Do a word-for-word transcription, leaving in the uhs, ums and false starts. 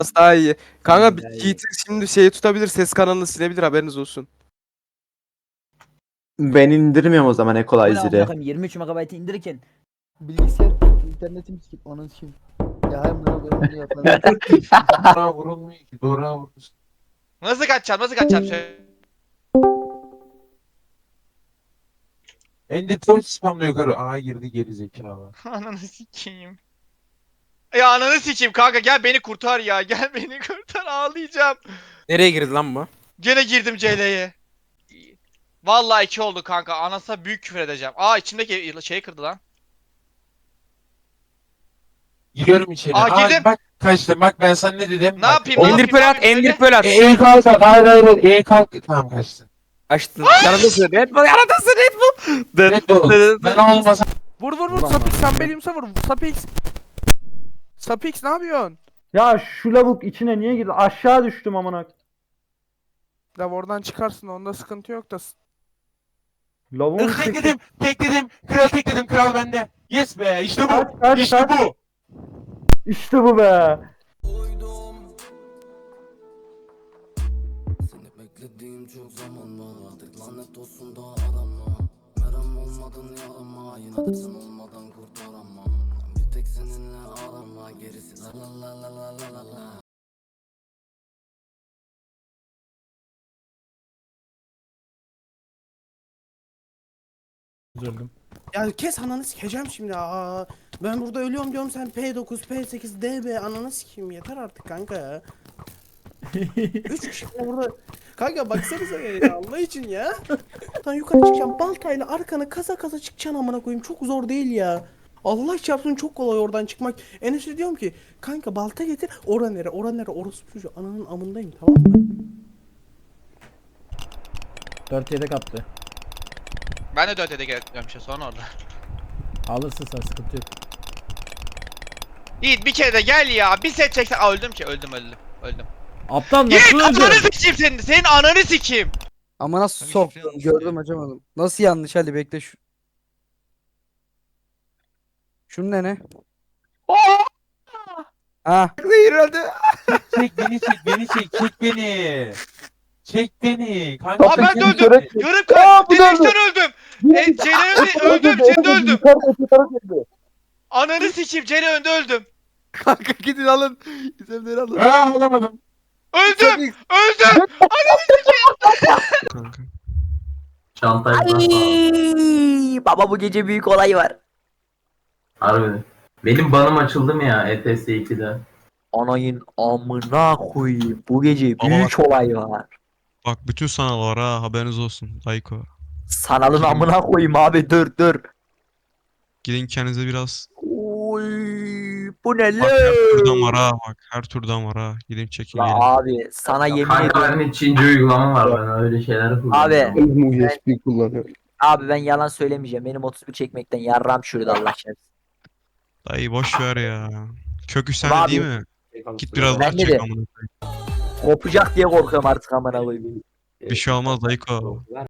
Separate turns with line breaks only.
daha iyi. Kanka bir
Daha iyi.
Yiğit şimdi şeyi tutabilir, ses kanalını silebilir, haberiniz olsun.
Ben indirmiyorum o zaman
Bu ne amına
Equalizer'ı.
koyayım yirmi üç megabaytı indirirken
Bilgisayar internetim sikip ananı sikeyim. Ya hayır bunu koyayım bunu yapalım.
Dora vurulmuyor ki. Dora vurulmuş.
Nasıl kaçacağım? Nasıl kaçacağım? Söyle.
Endüstri spamla yukarı. Aa girdi geri zekalı.
Ananı sikeyim. Ya ananı sikeyim kanka, gel beni kurtar ya. Gel beni kurtar, ağlayacağım.
Nereye girdi lan bu?
Gene girdim C L'ye. Vallahi iki oldu kanka. Anasına büyük küfür edeceğim. Aa, içimdeki şeyi kırdı lan.
Giriyorum içeri.
Aa,
Aa,
girdim.
bak kaçtı. Bak ben sana ne dedim.
Ne
Bak.
yapayım?
Oğlum,
Ne
Endir
yapayım,
pearl
ne
at,
yapayım,
endir
söyle.
pearl at.
E, E kalk at. Hayır hayır hayır. E kalk. Tamam kaçtın.
Açtın. Yanındasın. Red Bull, yanındasın Red Bull.
Red Bull. Ben olmasam.
Vur vur vur.
Ulan
Sapix
lan.
sen belimse vur. Sapix. Sapix ne yapıyorsun?
Ya şu lavuk içine niye girdi? Aşağı düştüm amına.
Ya oradan çıkarsın, onda sıkıntı yok da.
Lavuğun
Tekledim. Tekledim. Kral tekledim. Kral bende. Yes be. İşte
Kaç,
bu.
kaç,
İşte
kaç.
bu.
İşte bu be.
Seni beklediğim çok zaman var. Artık lanet olsun da arama. Merhem olmadın yarama. Yine de sen olmadan kurtaramam. Bir tek seninle arama. Gerisi la la la la la la la la.
Ya kes ananı sikeceğim şimdi. Aa, ben burada ölüyorum diyorum, sen P dokuz, P sekiz, D B ananı sikeyim, yeter artık kanka ya. Üç kişi burada. Kanka baksanıza ya, Allah için ya. Lan yukarı çıkacağım baltayla, arkanı kaza kaza çıkacaksın amına koyayım, çok zor değil ya. Allah çarpsın, çok kolay oradan çıkmak. Enes'e diyorum ki kanka balta getir, ora nere ora nere, orası çocuğu ananın amındayım, tamam mı?
dört yedek attı.
Ben de dört yedek etmiyorum işte sonra orada.
Alırsın sen, sıkıntı yok.
Yiğit bir kere de gel ya. Bir set çeksen. Aa, öldüm ki. Öldüm öldüm. Öldüm.
Aptal
Yiğit
nasıl
ananı
öldü?
sikeyim senin. Senin ananı sikeyim.
Ama nasıl soktun gördüm açamadım. Nasıl yanlış, hadi bekle şu. Şunun ne ne? Ha.
Hayır öldü.
Çek beni çek beni çek. Çek beni. Çek beni. Kanka,
Aa, ben de
çek
öldüm.
beni.
Yarım kalp. Direkten öldüm. E, Ceylan öldüm. Ceylan öldüm. Ananı sikeyim. Ceylan önde öldüm.
Kanka gidin alın. İzlemleri alın.
Aa alamadım.
Öldüm. Öldüm.
Ay, baba bu gece büyük olay var.
Harbi. Benim banım açıldı mı ya E T S ikide?
Anayın amına koyayım. Bu gece büyük olay var.
Bak bütün sanal ha, haberiniz olsun Dayko.
Sanalın amına koyayım abi, dur dur.
Gidin kendinize biraz.
Oy, bu ne
Bak her türden var
lan?
ha, bak her türden var ha. Gidin çekin
La
gelin.
abi sana yemin
Kanka
ediyorum.
benim Çince uygulama var, ben öyle şeyler kullanıyorum.
Abi.
U S B kullanıyor.
Abi ben yalan söylemeyeceğim. Benim otuz bir çekmekten yarram şurada Allah şerefsiz.
Dayı boş ver ya. Kökü
Abi,
sende değil mi? Git biraz daha
bende
çek
de.
amına koyayım.
Kopacak diye korkuyorum artık amına koyayım.
Bir şey olmaz Dayko.